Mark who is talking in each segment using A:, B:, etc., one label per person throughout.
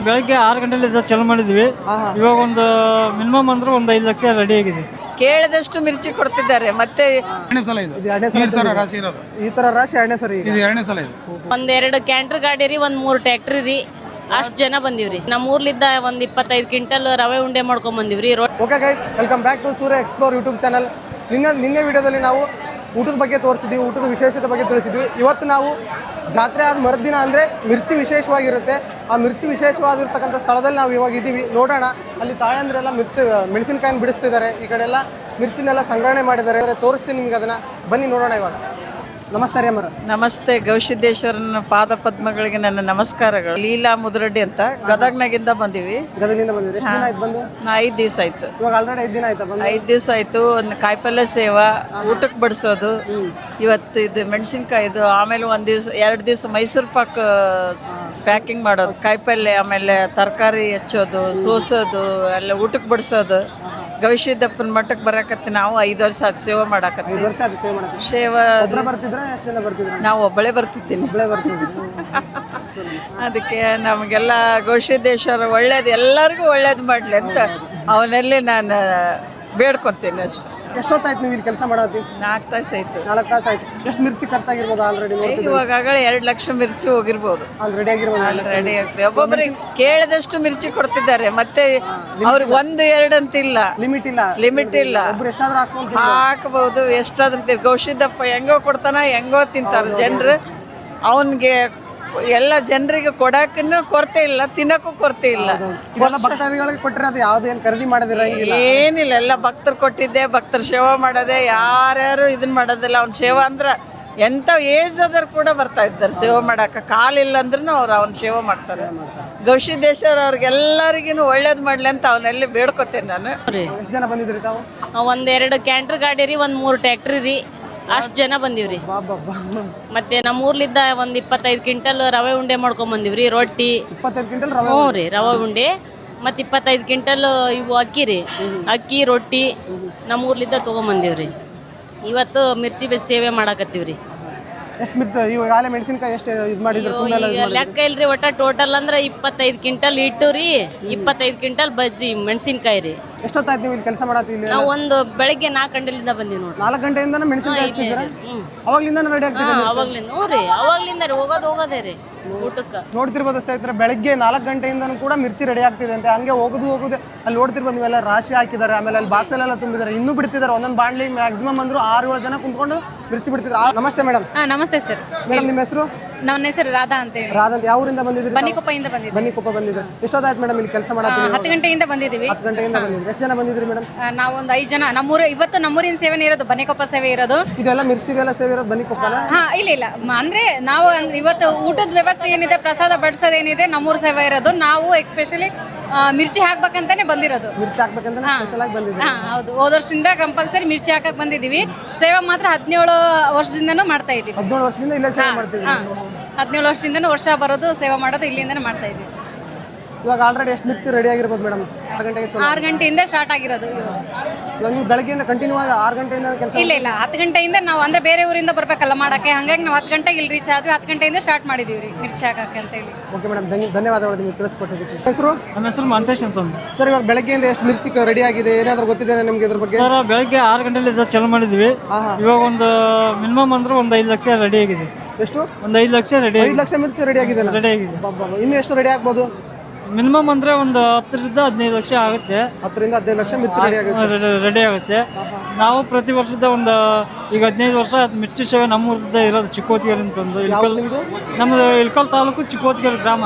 A: ಬೆಳಗ್ಗೆ 6 ಗಂಟೆಲಿಂದ ಚಾಲು ಮಾಡಿದ್ವಿ. ಇವಾಗ ಒಂದು ಮಿನಿಮಮ್ ಅಂದ್ರೆ ಒಂದು 5 ಲಕ್ಷ ರೆಡಿ ಆಗಿದೆ.
B: ಕೇಳಿದಷ್ಟು ಮಿರ್ಚಿ ಕೊಡ್ತಿದ್ದಾರೆ. ಮತ್ತೆ
C: ಎರಡನೇ ಸಲ ಇದು ರಾಶಿ ಇರೋದು.
D: ಈ ತರ ರಾಶಿ ಎರಡನೇ ಸರಿ
C: ಇದು ಎರಡನೇ ಸಲ ಇದು.
E: ಒಂದೆರಡು ಕ್ಯಾಂಟರ್ ಗಾಡಿ ರೀ, ಒಂದ್ 3 ಟ್ರ್ಯಾಕ್ಟರ್ ರೀ. ಅಷ್ಟು ಜನ ಬಂದಿವ್ರಿ. ನಮ್ಮ ಊರ್ಲಿದ್ದ ಒಂದ್ 25 ಕ್ವಿಂಟಲ್ ರವೆ ಉಂಡೆ ಮಾಡ್ಕೊಂಡ್ ಬಂದಿವ್ರಿ.
D: Okay guys, welcome back to Surya explore YouTube channel. ನಿನ್ನೆ ವಿಡಿಯೋದಲ್ಲಿ ನಾವು ಊಟದ ಬಗ್ಗೆ ತೋರಿಸಿದ್ವಿ, ಊಟದ ವಿಶೇಷತೆ ಬಗ್ಗೆ ತಿಳಿಸಿದ್ವಿ. ಇವತ್ತು ನಾವು ಜಾತ್ರೆ ಆದ ಮರುದಿನ ಅಂದರೆ ಮಿರ್ಚಿ ವಿಶೇಷವಾಗಿರುತ್ತೆ. ಆ ಮಿರ್ಚಿ ವಿಶೇಷವಾಗಿರ್ತಕ್ಕಂಥ ಸ್ಥಳದಲ್ಲಿ ನಾವು ಇವಾಗ ಇದ್ದೀವಿ. ನೋಡೋಣ, ಅಲ್ಲಿ ತಾಯಂದ್ರೆಲ್ಲ ಮೆಣಸಿನಕಾಯಿನ ಬಿಡಿಸ್ತಿದ್ದಾರೆ. ಈ ಕಡೆ ಎಲ್ಲ ಮಿರ್ಚಿನೆಲ್ಲ ಸಂಗ್ರಹಣೆ ಮಾಡಿದ್ದಾರೆ. ತೋರಿಸ್ತೀನಿ ನಿಮ್ಗೆ ಅದನ್ನು, ಬನ್ನಿ ನೋಡೋಣ ಇವಾಗ. ನಮಸ್ತೆ ರೀ ಅಮ್ಮರ.
B: ನಮಸ್ತೆ. ಗವಿಸಿದ್ದೇಶ್ವರನ ಪಾದ ಪದ್ಮಗಳಿಗೆ ನನ್ನ ನಮಸ್ಕಾರಗಳು. ಲೀಲಾ ಮುದ್ರಡ್ಡಿ ಅಂತ ಗದಗ್ನಾಗಿಂದ ಬಂದಿವಿ.
D: ಗದಗಿಂದ ಬಂದಿರಿ? ಎಷ್ಟು ದಿನ ಆಯ್ತು ಬಂದು?
B: 5 ದಿವಸ ಆಯ್ತು.
D: ಇವಾಗ ಆಲ್ರೆಡಿ 5 ದಿನ ಆಯ್ತಾ ಬಂದು?
B: 5 ದಿವಸ ಆಯ್ತು. ಒಂದು ಕಾಯಿಪಲ್ಯ ಸೇವಾ, ಊಟಕ್ಕೆ ಬಡಿಸೋದು, ಇವತ್ತು ಇದು ಮೆಣಸಿನ್ಕಾಯಿದು, ಆಮೇಲೆ 2 ದಿವಸ ಮೈಸೂರು ಪಾಕ್ ಪ್ಯಾಕಿಂಗ್ ಮಾಡೋದು, ಕಾಯಿಪಲ್ಯ, ಆಮೇಲೆ ತರಕಾರಿ ಹೆಚ್ಚೋದು, ಸೋಸೋದು, ಎಲ್ಲ ಊಟಕ್ಕೆ ಬಡಿಸೋದು. ಗವಿಸಿದ್ದಪ್ಪನ ಮಠಕ್ಕೆ ಬರಕತ್ತಿ ನಾವು 5 ವರ್ಷ ಆಯ್ತು ಸೇವೆ ಮಾಡಕತ್ತಿ.
D: 5 ವರ್ಷ ಆಯ್ತು ಸೇವೆ ಮಾಡಕ್ಕೆ.
B: ಸೇವಾ
D: ಬರ್ತಿದ್ರೆ ಎಷ್ಟು ಜನ ಬರ್ತಿದ್ರು?
B: ನಾವು ಒಬ್ಬಳೇ ಬರ್ತಿದ್ದೀನಿ. ಅದಕ್ಕೆ ನಮಗೆಲ್ಲ ಗವಿಸಿದ್ದೇಶ್ವರ ಒಳ್ಳೇದು, ಎಲ್ಲರಿಗೂ ಒಳ್ಳೇದು ಮಾಡಲಿ ಅಂತ ಅವನಲ್ಲಿ ನಾನು ಬೇಡ್ಕೊತೀನಿ ಅಷ್ಟೇ.
D: ಎಷ್ಟೊತ್ತಾಯ್ತು ನೀವು ಇಲ್ಲಿ ಕೆಲಸ ಮಾಡೋದು?
B: 4 ತಾಸು ಆಯ್ತು.
D: 4 ತಾಸು ಆಯ್ತು. ಎಷ್ಟು ಮಿರ್ಚಿ ಖರ್ಚಾಗಿರ್ಬೋದು ಆಲ್ರೆಡಿ?
B: ಇವಾಗಲೇ 2 ಲಕ್ಷ ಮಿರ್ಚಿ ಹೋಗಿರ್ಬೋದು.
D: ರೆಡಿ ಆಗಿರ್ಬೋದು.
B: ರೆಡಿ ಆಗ್ತದೆ. ಒಬ್ಬೊಬ್ಬರಿಗೆ ಕೇಳಿದಷ್ಟು ಮಿರ್ಚಿ ಕೊಡ್ತಿದ್ದಾರೆ. ಮತ್ತೆ ಅವ್ರಿಗೆ 1-2 ಅಂತಿಲ್ಲ, ಲಿಮಿಟ್ ಇಲ್ಲ.
D: ಎಷ್ಟಾದ್ರೂ
B: ಹಾಕಬಹುದು, ಎಷ್ಟಾದ್ರೂ. ಗವಿಸಿದ್ದಪ್ಪ ಹೆಂಗೋ ಕೊಡ್ತಾನ, ಹೆಂಗೋ ತಿಂತಾರೆ ಜನರು. ಅವನಿಗೆ ಎಲ್ಲ ಜನರಿಗೆ ಕೊಡಕ್ಕೂ ಕೊರತೆ ಇಲ್ಲ, ತಿನ್ನಕ್ಕೂ ಕೊರತೆ ಇಲ್ಲ.
D: ಭಕ್ತಾದಿಗಳಿಗೆ ಕೊಟ್ಟಿರೋದು ಯಾವ್ದು ಏನು ಖರೀದಿ ಮಾಡಿದಿರ?
B: ಏನಿಲ್ಲ, ಎಲ್ಲ ಭಕ್ತರು ಕೊಟ್ಟಿದ್ದೆ. ಭಕ್ತರ ಸೇವಾ ಮಾಡೋದೆ, ಯಾರ್ಯಾರು ಇದನ್ನ ಮಾಡೋದಿಲ್ಲ. ಅವ್ನ ಸೇವಾ ಅಂದ್ರೆ ಎಂಥ ಏಜ್ ಆದರೂ ಕೂಡ ಬರ್ತಾ ಇದ್ದಾರೆ ಸೇವೆ ಮಾಡಕ್ಕೆ. ಕಾಲಿಲ್ಲ ಅಂದ್ರೂ ಅವ್ರು ಅವ್ನ ಸೇವೆ ಮಾಡ್ತಾರೆ. ಗವಿಸಿದ್ದೇಶ್ವರ ಅವ್ರಿಗೆಲ್ಲರಿಗೂ ಒಳ್ಳೇದು ಮಾಡಲಿ ಅಂತ ಅವನಲ್ಲಿ ಬೇಡ್ಕೊತೇನೆ ನಾನು.
D: ಎಷ್ಟು ಜನ ಬಂದಿದ್ರಿ ತಾವು?
E: ಒಂದೆರಡು ಕ್ಯಾಂಟರ್ ಗಾಡಿ ರೀ, ಒಂದ್ 3 ಟ್ರ್ಯಾಕ್ಟರ್ ರೀ. ಅಷ್ಟು ಜನ ಬಂದಿವ್ರಿ. ಮತ್ತೆ ನಮ್ಮ ಊರ್ಲಿದ್ದ ಒಂದ್ 25 ಕ್ವಿಂಟಲ್ ರವೆ ಉಂಡೆ ಮಾಡ್ಕೊಂಡ್ ಬಂದಿವ್ರಿ. ರೊಟ್ಟಿ
D: 25 ಕ್ವಿಂಟಲ್
E: ಹ್ಞೂ ರೀ, ರವೆ ಉಂಡೆ. ಮತ್ತೆ 25 ಕ್ವಿಂಟಲ್ ಇವು ಅಕ್ಕಿ ರೀ, ಅಕ್ಕಿ ರೊಟ್ಟಿ ನಮ್ಮ ಊರ್ಲಿದ್ದ ತೊಗೊಂಬಂದಿವ್ರಿ. ಇವತ್ತು ಮಿರ್ಚಿ ಸೇವೆ ಮಾಡಾಕತ್ತೀವ್ರಿ.
D: ಎಷ್ಟು ಮಿರ್ಚಿ ಇವಾಗ ಮೆಣಸಿನಕಾಯಿ ಎಷ್ಟು ಇದು ಮಾಡಿದ್ರು?
E: ಲೆಕ್ಕ ಇಲ್ರಿ, ಒಟ್ಟ ಟೋಟಲ್ ಅಂದ್ರೆ 25 ಕ್ವಿಂಟಲ್ ಇಟ್ಟು ರೀ, 25 ಕ್ವಿಂಟಲ್ ಬಜ್ಜಿ ಮೆಣಸಿನ್ಕಾಯಿ ರೀ.
D: ಎಷ್ಟೊತ್ತಾಯ್ತು ನೀವು ಇಲ್ಲಿ ಕೆಲಸ ಮಾಡತ್ತೀವಿ?
E: ನಾವು ಒಂದು ಬೆಳಗ್ಗೆ 4 ಗಂಟೆಲಿಂದ ಬಂದೀವಿ ನೋಡ್ರಿ.
D: 4 ಗಂಟೆಯಿಂದ ಮೆಣಸಿನಕಾಯಿ ಹಾಕ್ತಿದ್ದೀರಾ? ಅವಾಗ್ಲಿಂದ ರೆಡಿ ಆಗ್ತಿದ್ದೀರಾ?
E: ಅವಾಗ್ಲಿಂದ ಹ್ಞೂ ರೀ, ಅವಾಗ್ಲಿಂದ ರೀ, ಹೋಗೋದೇ ರೀ ಊಟಕ್ಕೆ.
D: ನೋಡ್ತಿರ್ಬೋದು ಸ್ನೇಹಿತರೆ, ಬೆಳಗ್ಗೆ 4 ಗಂಟೆಯಿಂದನೂ ಕೂಡ ಮಿರ್ಚಿ ರೆಡಿ ಆಗ್ತಿದೆ ಅಂತೆ. ಹಂಗೆ ಹೋಗೋದೇ ಅಲ್ಲಿ ನೋಡ್ತಿರ್ಬೋದು ನೀವೆಲ್ಲ, ರಾಶಿ ಹಾಕಿದ್ದಾರೆ. ಆಮೇಲೆ ಅಲ್ಲಿ ಬಾಕ್ಸಲ್ಲೆಲ್ಲ ತುಂಬಿದ್ದಾರೆ, ಇನ್ನೂ ಬಿಡ್ತಿದ್ದಾರೆ. ಒಂದೊಂದು ಬಾಣ್ಲಿ ಮ್ಯಾಕ್ಸಿಮಮ್ ಅಂದ್ರು 6-7 ಜನ ಕುಂತ್ಕೊಂಡು ಮಿರ್ಚಿ ಬಿಡ್ತಿದ್ದಾರೆ. ನಮಸ್ತೆ ಮೇಡಮ್.
F: ನಮಸ್ತೆ ಸರ್.
D: ಮೇಡಮ್ ನಿಮ್ಮ ಹೆಸರು?
F: ನನ್ನ ಹೆಸರು ರಾಧಾ ಅಂತ ಹೇಳಿ.
D: ರಾಧಾ ಅಂತ. ಯಾವ ಊರಿಂದ ಬಂದಿದ್ರಿ?
F: ಬನ್ನಿಕೊಪ್ಪದಿಂದ ಬಂದಿದ್ವಿ.
D: ಬನ್ನಿಕೊಪ್ಪ ಬಂದಿದ್ರಿ. ಎಷ್ಟೊತ್ತಾಯ್ತು ಮೇಡಮ್ ಇಲ್ಲಿ ಕೆಲಸ ಮಾಡೋದು?
F: 10 ಗಂಟೆಯಿಂದ ಬಂದಿದ್ದೀವಿ.
D: 10 ಗಂಟೆಯಿಂದ ಬಂದಿದ್ರಿ. ಎಷ್ಟು ಜನ ಬಂದಿದ್ರಿ ಮೇಡಮ್?
F: ನಾವು ಒಂದು 5 ಜನ. ಇವತ್ತು ನಮ್ಮೂರಿನ ಸೇವೆನೇ ಇರೋದು, ಬನ್ನಿಕೊಪ್ಪ ಸೇವೆ ಇರೋದು.
D: ಇದೆಲ್ಲ ಮಿರ್ಚಿದೆಲ್ಲ ಸೇವೆ ಇರೋದು ಬನ್ನಿಕೊಪ್ಪನ?
F: ಇಲ್ಲ ಅಂದ್ರೆ ನಾವು ಇವತ್ತು ಊಟದ ವ್ಯವಸ್ಥೆ ಏನಿದೆ, ಪ್ರಸಾದ ಬಡಿಸೋದು ಏನಿದೆ, ನಮ್ಮೂರ ಸೇವೆ ಇರೋದು. ನಾವು ಎಕ್ಸ್ಪೆಷಲಿ ಮಿರ್ಚಿ ಹಾಕ್ಬೇಕಂತಾನೆ ಬಂದಿರೋದು.
D: ಮಿರ್ಚಿ ಹಾಕ್ಬೇಕಂತ ಸ್ಪೆಷಲ್ ಆಗಿ ಬಂದಿದ್ದೀವಿ.
F: ಹೌದು, ಹೋದ ವರ್ಷದಿಂದ ಕಂಪಲ್ಸರಿ ಮಿರ್ಚಿ ಹಾಕಕ್ ಬಂದಿದ್ದೀವಿ. ಸೇವೆ ಮಾತ್ರ 17 ವರ್ಷದಿಂದನೂ ಮಾಡ್ತಾ ಇದ್ದೀವಿ.
D: 17 ವರ್ಷದಿಂದ ಇಲ್ಲೇ ಸೇವೆ ಮಾಡ್ತೀವಿ.
F: 17 ವರ್ಷದಿಂದನೂ ವರ್ಷ ಬರೋದು, ಸೇವೆ ಮಾಡೋದು ಇಲ್ಲಿಂದನೇ ಮಾಡ್ತಾ ಇದ್ದೀವಿ.
D: ಇವಾಗ ಆಲ್ರೆಡಿ ಎಷ್ಟು ಮಿರ್ಚಿ ರೆಡಿ ಆಗಿರ್ಬೋದು ಮೇಡಮ್? 6 ಗಂಟೆಗೆ
F: 6 ಗಂಟೆಯಿಂದ ಸ್ಟಾರ್ಟ್ ಆಗಿರೋದು.
D: ಇವಾಗ ನೀವು ಬೆಳಗ್ಗೆಯಿಂದ ಕಂಟಿನ್ಯೂ ಆಗಿ 6 ಗಂಟೆಯಿಂದ ಕೆಲಸ?
F: ಇಲ್ಲ 10 ಗಂಟೆಯಿಂದ ನಾವು ಅಂದ್ರೆ ಬೇರೆ ಊರಿಂದ ಬರ್ಬೇಕಲ್ಲ ಮಾಡಕ್ಕೆ, ಹಂಗಾಗಿ ನಾವು 10 ಗಂಟೆಗೆ ಇಲ್ಲಿ ರೀಚ್ ಆದ್ವಿ. 10 ಗಂಟೆಯಿಂದ ಸ್ಟಾರ್ಟ್ ಮಾಡಿದೀವಿ ರೀ ಮಿರ್ಚಿ ಹಾಕಕ್ಕೆ ಅಂತ ಹೇಳಿ.
D: ಓಕೆ ಮೇಡಮ್, ಧನ್ಯವಾದಗಳು ನಿಮಗೆ ತಿಳಿಸ್ಕೊಟ್ಟಿದ್ದಕ್ಕೆ. ಹೆಸರು?
A: ನನ್ನ ಹೆಸರು ಮಂತೇಶ್ ಅಂತಂದು.
D: ಸರ್, ಇವಾಗ ಬೆಳಗ್ಗೆಯಿಂದ ಎಷ್ಟು ಮಿರ್ಚಿ ರೆಡಿ ಆಗಿದೆ, ಏನಾದರೂ ಗೊತ್ತಿದೆ ನಿಮ್ಗೆ ಇದ್ರ ಬಗ್ಗೆ?
A: ಸರ್, ಬೆಳಗ್ಗೆ 6 ಗಂಟೆಲಿಂದ ಚಾಲು ಮಾಡಿದ್ವಿ. ಇವಾಗ ಒಂದು ಮಿನಿಮಮ್ ಅಂದ್ರೆ ಒಂದು 5 ಲಕ್ಷ ರೆಡಿ ಆಗಿದೆ.
D: ಎಷ್ಟು?
A: ಒಂದು 5 ಲಕ್ಷ ರೆಡಿ.
D: 5 ಲಕ್ಷ ಮಿರ್ಚಿ ರೆಡಿ ಆಗಿದೆ. ಇನ್ನು ಎಷ್ಟು ರೆಡಿ ಆಗ್ಬೋದು?
A: ಮಿನಿಮಮ್ ಅಂದ್ರೆ ಒಂದು 10ರಿಂದ 15 ಲಕ್ಷ ಆಗುತ್ತೆ.
D: 10ರಿಂದ 15 ಲಕ್ಷ ಮಿರ್ಚಿ
A: ರೆಡಿ ಆಗುತ್ತೆ. ನಾವು ಪ್ರತಿ ವರ್ಷದ ಒಂದು ಈಗ 15 ವರ್ಷ ಮಿರ್ಚಿ ಸೇವೆ ನಮ್ಮೂರದ ಇರೋದು. ಚಿಕ್ಕೋತಿಗೆರೆ ಅಂತಂದು ನಮ್ಮದು ಇಳ್ಕಲ್ ತಾಲೂಕು ಚಿಕ್ಕೋತಿಗೆರೆ ಗ್ರಾಮ.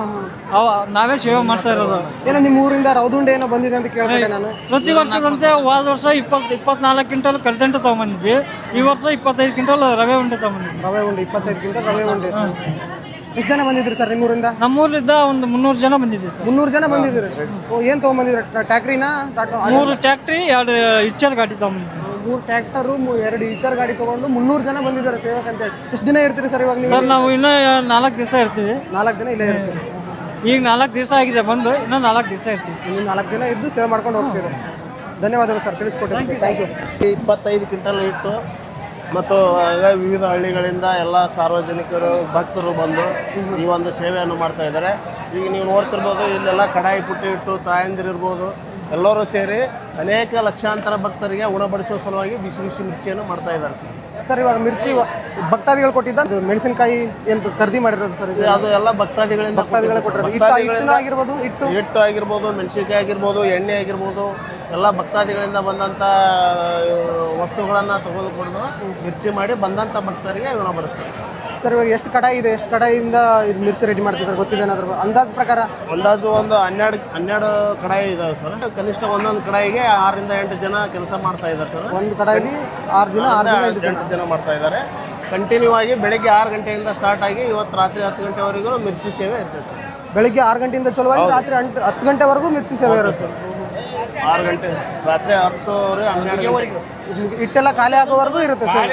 A: ನಾವೇ ಸೇವೆ ಮಾಡ್ತಾ ಇರೋದು.
D: ಏನೋ ನಿಮ್ಮ ಊರಿಂದ ರೌದುಂಡೆ ಏನೋ ಬಂದಿದೆ ಅಂತ ಕೇಳ್ಕೊಂಡೆ ನಾನು.
A: ಪ್ರತಿ ವರ್ಷದಂತೆ ಹೋದ ವರ್ಷ 24 ಕ್ವಿಂಟಲ್ ಕರ್ದಂಟು ತಗೊಂಬಂದಿದ್ವಿ. ಈ ವರ್ಷ 25 ಕ್ವಿಂಟಲ್ ರವೆ ಉಂಡೆ ತಗೊಂಬಂದಿದ್ವಿ.
D: ರವೆ ಉಂಡೆ 25 ಕ್ವಿಂಟಲ್ ರವೆ ಉಂಡೆ. ಎಷ್ಟು ಜನ ಬಂದಿದ್ರಿ ಸರ್ ನಿಮ್ಮೂರಿಂದ?
A: ನಮ್ಮೂರಿಂದ ಒಂದು 300 ಜನ ಬಂದಿದ್ವಿ ಸರ್.
D: 300 ಜನ ಬಂದಿದ್ರಿ. ಏನು ತೊಗೊಂಬಂದಿದ್ರಿ? ಟ್ಯಾಕ್ರಿನಾ?
A: 3 ಟ್ಯಾಕ್ಟ್ರಿ 2 ಇಚ್ಚರ್ ಗಾಡಿ ತಗೊಂಬಂದಿದ್ವಿ.
D: 3 ಟ್ಯಾಕ್ಟರು 2 ಇಚ್ಚರ್ ಗಾಡಿ ತಗೊಂಡು 300 ಜನ ಬಂದಿದ್ದಾರೆ ಸೇವಕ ಅಂತ ಹೇಳಿ. ಎಷ್ಟು ದಿನ ಇರ್ತೀರಿ ಸರ್ ಇವಾಗ ನೀವು?
A: ಸರ್, ನಾವು ಇನ್ನೂ 4 ದಿವಸ ಇರ್ತೀವಿ.
D: 4 ದಿನ ಇಲ್ಲೇ ಇರ್ತೀವಿ.
A: ಈಗ 4 ದಿವಸ ಆಗಿದೆ ಬಂದು, ಇನ್ನೂ 4 ದಿವಸ ಇರ್ತೀವಿ.
D: ಇನ್ನು 4 ದಿನ ಇದ್ದು ಸೇವೆ ಮಾಡ್ಕೊಂಡು ಹೋಗ್ತೀವಿ. ಧನ್ಯವಾದಗಳು ಸರ್ ತಿಳಿಸ್ಕೊಟ್ಟಿದ್ದಕ್ಕೆ. Thank you.
G: 25 ಕ್ವಿಂಟಲ್ ಇಟ್ಟು ಮತ್ತು ಎಲ್ಲ ವಿವಿಧ ಹಳ್ಳಿಗಳಿಂದ ಎಲ್ಲ ಸಾರ್ವಜನಿಕರು ಭಕ್ತರು ಬಂದು ಈ ಒಂದು ಸೇವೆಯನ್ನು ಮಾಡ್ತಾ ಇದ್ದಾರೆ. ಈಗ ನೀವು ನೋಡ್ತಿರ್ಬೋದು, ಇಲ್ಲೆಲ್ಲ ಕಡಾಯಿ ಪುಟ್ಟಿ ಇಟ್ಟು ತಾಯಂದಿರಿರ್ಬೋದು ಎಲ್ಲರೂ ಸೇರಿ ಅನೇಕ ಲಕ್ಷಾಂತರ ಭಕ್ತರಿಗೆ ಉಣಬಡಿಸುವ ಸಲುವಾಗಿ ಬಿಸಿ ಬಿಸಿ ಮಿರ್ಚಿಯನ್ನು ಮಾಡ್ತಾ ಇದ್ದಾರೆ ಸರ್.
D: ಸರ್ ಇವಾಗ ಮಿರ್ಚಿ ಭಕ್ತಾದಿಗಳು ಕೊಟ್ಟಿದ್ದ ಮೆಣಸಿನಕಾಯಿ ಏನು ಖರೀದಿ ಮಾಡಿರೋದು ಸರ್ ಇದು?
G: ಅದು ಎಲ್ಲ ಭಕ್ತಾದಿಗಳಿಂದ
D: ಭಕ್ತಾದಿಗಳೇ ಕೊಟ್ಟಿರೋದು. ಹಿಟ್ಟು ಆಗಿರ್ಬೋದು,
G: ಹಿಟ್ಟು ಆಗಿರ್ಬೋದು, ಮೆಣಸಿನಕಾಯಿ ಆಗಿರ್ಬೋದು, ಎಣ್ಣೆ ಆಗಿರ್ಬೋದು, ಎಲ್ಲ ಭಕ್ತಾದಿಗಳಿಂದ ಬಂದಂಥ ವಸ್ತುಗಳನ್ನು ತೆಗೆದುಕೊಂಡು ಮಿರ್ಚಿ ಮಾಡಿ ಬಂದಂಥ ಭಕ್ತರಿಗೆ ಉಣಬಡಿಸ್ತಾರೆ.
D: ಸರ್ ಇವಾಗ ಎಷ್ಟು ಕಡಾಯಿ ಇದೆ, ಎಷ್ಟು ಕಡಾಯಿಯಿಂದ ಇದು ಮಿರ್ಚಿ ರೆಡಿ ಮಾಡ್ತಿದ್ದಾರೆ ಗೊತ್ತಿದೆ ಏನಾದ್ರು ಅಂದಾಜು ಪ್ರಕಾರ?
G: ಅಂದಾಜು ಒಂದು 12 ಕಡಾಯಿ ಇದಾವೆ ಸರ್. ಕನಿಷ್ಠ ಒಂದೊಂದು ಕಡಾಯಿಗೆ 6 ರಿಂದ 8 ಜನ ಕೆಲಸ ಮಾಡ್ತಾ ಇದ್ದಾರೆ ಸರ್.
D: ಒಂದು ಕಡಾಯಿಲಿ 6 ಜನ 8
G: ಜನ ಮಾಡ್ತಾ ಇದ್ದಾರೆ. ಕಂಟಿನ್ಯೂ ಆಗಿ ಬೆಳಗ್ಗೆ 6 ಗಂಟೆಯಿಂದ ಸ್ಟಾರ್ಟ್ ಆಗಿ ಇವತ್ತು ರಾತ್ರಿ 10 ಗಂಟೆವರೆಗೂ ಮಿರ್ಚಿ ಸೇವೆ ಇರ್ತದೆ ಸರ್.
D: ಬೆಳಿಗ್ಗೆ 6 ಗಂಟೆಯಿಂದ ಚಲುವಾಗಿ ರಾತ್ರಿ 10 ಗಂಟೆವರೆಗೂ ಮಿರ್ಚಿ ಸೇವೆ ಇರುತ್ತೆ.
G: 6 ಗಂಟೆ ರಾತ್ರಿ 10 12
D: ಹಿಟ್ಟೆಲ್ಲ ಖಾಲಿ ಆಗೋವರೆಗೂ ಇರುತ್ತೆ ಸರ್.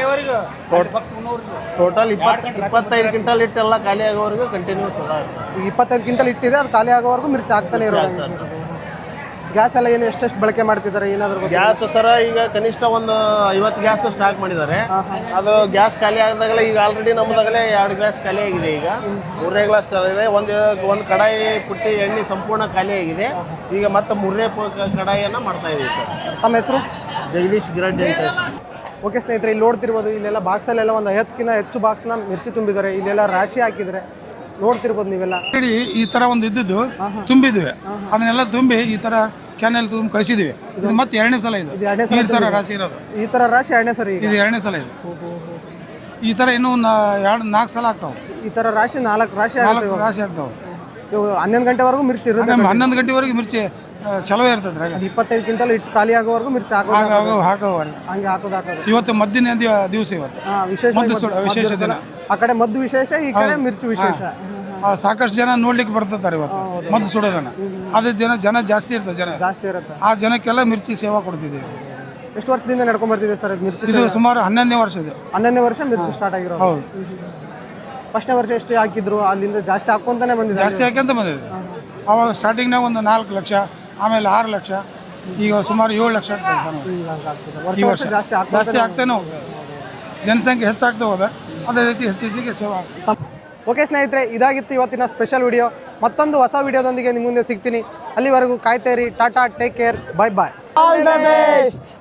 G: ಟೋಟಲ್ 25 ಕ್ವಿಂಟಲ್ ಹಿಟ್ಟೆಲ್ಲ ಖಾಲಿ ಆಗೋವರೆಗೂ ಕಂಟಿನ್ಯೂಸ್ ಅದ ಇರ್ತದೆ.
D: 25 ಕ್ವಿಂಟಲ್ ಇಟ್ಟಿದೆ, ಅದು ಖಾಲಿ ಆಗೋವರೆಗೂ ಮಿರ್ಚಿ ಆಗ್ತಾನೆ ಇರೋದು. ಗ್ಯಾಸ್ ಎಲ್ಲ ಏನು ಎಷ್ಟೆಷ್ಟು ಬಳಕೆ ಮಾಡ್ತಿದ್ದಾರೆ ಏನಾದ್ರು?
G: ಗ್ಯಾಸ್ ಸರ ಈಗ ಕನಿಷ್ಠ ಒಂದು 50 ಗ್ಯಾಸ್ ಸ್ಟಾಕ್ ಮಾಡಿದ್ದಾರೆ. ಅದು ಗ್ಯಾಸ್ ಖಾಲಿ ಆದಾಗಲೇ ಈಗ ಆಲ್ರೆಡಿ ನಮ್ಮದಾಗಲೇ 2 ಗ್ಲಾಸ್ ಖಾಲಿ ಆಗಿದೆ. ಈಗ 3ನೇ ಗ್ಲಾಸ್ ಇದೆ. ಒಂದು ಕಡಾಯಿ ಪುಟ್ಟಿ ಎಣ್ಣೆ ಸಂಪೂರ್ಣ ಖಾಲಿ ಆಗಿದೆ. ಈಗ ಮತ್ತೆ 3ನೇ ಕಡಾಯಿಯನ್ನು ಮಾಡ್ತಾ ಇದ್ದೀವಿ ಸರ್.
D: ತಮ್ಮ ಹೆಸರು?
G: ಜಗದೀಶ್ ಗಿರಡ್ಡಿ ಅಂತ.
D: ಓಕೆ ಸ್ನೇಹಿತರೆ, ಇಲ್ಲಿ ನೋಡ್ತಿರ್ಬೋದು, ಇಲ್ಲೆಲ್ಲ ಬಾಕ್ಸಲ್ಲೆಲ್ಲ ಒಂದು 50ಕ್ಕಿಂತ ಹೆಚ್ಚು ಬಾಕ್ಸ್ನ ಮಿರ್ಚಿ ತುಂಬಿದ್ದಾರೆ. ಇಲ್ಲೆಲ್ಲ ರಾಶಿ ಹಾಕಿದ್ದಾರೆ, ನೋಡ್ತಿರ್ಬೋದು ನೀವೆಲ್ಲ.
C: ಈ ತರ ಒಂದು ಇದ್ದಿದ್ದು ತುಂಬಿದ್ವಿ, ಅದನ್ನೆಲ್ಲ ತುಂಬಿ ಈ ತರ ಕ್ಯಾನೆಲ್ ತುಂಬ ಕಳಿಸಿದ್ವಿ. ಇದು ಮತ್ತೆ 2ನೇ ಸಲ ಇದು ಈ ತರ ರಾಶಿ ಇರೋದು.
D: ಈ ಥರ ರಾಶಿ 2ನೇ ಸರಿ
C: ಇದು 2ನೇ ಸಲ ಇದು. ಈ ತರ ಇನ್ನೂ 4 ಸಲ ಆಗ್ತಾವೆ.
D: ಈ ಥರ ರಾಶಿ 4 ರಾಶಿ ಆಗುತ್ತೆ.
C: 4 ರಾಶಿ ಆಗ್ತಾವೆ.
D: ಇವಾಗ 11 ಗಂಟೆವರೆಗೂ ಮಿರ್ಚಿ ಇರುತ್ತೆ.
C: 11 ಗಂಟೆವರೆಗೂ ಮಿರ್ಚಿ ಚಲೋ ಇರ್ತದೆ.
D: 25 ಕ್ವಿಂಟಲ್ ಇಟ್ಟು ಖಾಲಿ ಆಗೋವರೆಗೂ ಮಿರ್ಚಿ
C: ಹಾಕೋವರೆಗೆ
D: ಹಂಗೆ ಹಾಕೋದು.
C: ಇವತ್ತು ಮದ್ದಿನ ದಿವಸ, ಇವತ್ತು ವಿಶೇಷ ದಿನ.
D: ಆ ಕಡೆ ಮದ್ದು ವಿಶೇಷ, ಈ ಕಡೆ ಮಿರ್ಚಿ ವಿಶೇಷ.
C: ಸಾಕಷ್ಟು ಜನ ನೋಡ್ಲಿಕ್ಕೆ ಬರ್ತಾರೆ ಇವತ್ತು ಮದ್ದು ಸುಡೋದನ್ನ. ಅದೇ ಜನ ಜಾಸ್ತಿ ಇರ್ತದೆ,
D: ಜಾಸ್ತಿ ಇರುತ್ತೆ.
C: ಆ ಜನಕ್ಕೆಲ್ಲ ಮಿರ್ಚಿ ಸೇವಾ ಕೊಡ್ತಿದ್ದೀವಿ.
D: ಎಷ್ಟು ವರ್ಷದಿಂದ ನಡ್ಕೊಂಡ್ ಬರ್ತಿದೆ ಸರ್ ಮಿರ್ಚಿ?
C: ಇದು ಸುಮಾರು 11ನೇ ವರ್ಷ ಇದು.
D: 11ನೇ ವರ್ಷ ಮಿರ್ಚಿ ಸ್ಟಾರ್ಟ್ ಆಗಿರೋದು.
C: ಹೌದು.
D: ಫಸ್ಟ್ನೇ ವರ್ಷ ಎಷ್ಟು ಹಾಕಿದ್ರು, ಅಲ್ಲಿಂದ ಜಾಸ್ತಿ ಹಾಕೊಂತಾನೆ ಬಂದಿದೆ.
C: ಜಾಸ್ತಿ ಹಾಕ್ಯಂತ ಬಂದಿದೆ. ಅವಾಗ ಸ್ಟಾರ್ಟಿಂಗ್ನಾಗ ಒಂದು 4 ಲಕ್ಷ, ಆಮೇಲೆ 6 ಲಕ್ಷ, ಈಗ ಸುಮಾರು 7 ಲಕ್ಷ ಆಗ್ತದೆ. ಈ ವರ್ಷ ಜಾಸ್ತಿ ಆಗ್ತಾನೆ ಹೋಗ್ತದೆ. ಜನಸಂಖ್ಯೆ ಹೆಚ್ಚಾಗ್ತಾ ಹೋದ, ಅದೇ ರೀತಿ ಹೆಚ್ಚಿಗೆ ಸೇವಾ.
D: ಓಕೆ ಸ್ನೇಹಿತರೆ, ಇದಾಗಿತ್ತು ಇವತ್ತಿನ ಸ್ಪೆಷಲ್ ವಿಡಿಯೋ. ಮತ್ತೊಂದು ಹೊಸ ವಿಡಿಯೋದೊಂದಿಗೆ ನಿಮ್ಮ ಮುಂದೆ ಸಿಗ್ತೀನಿ. ಅಲ್ಲಿವರೆಗೂ ಕಾಯ್ತಾ ಇರಿ. ಟಾಟಾ, take care, bye bye. All the best.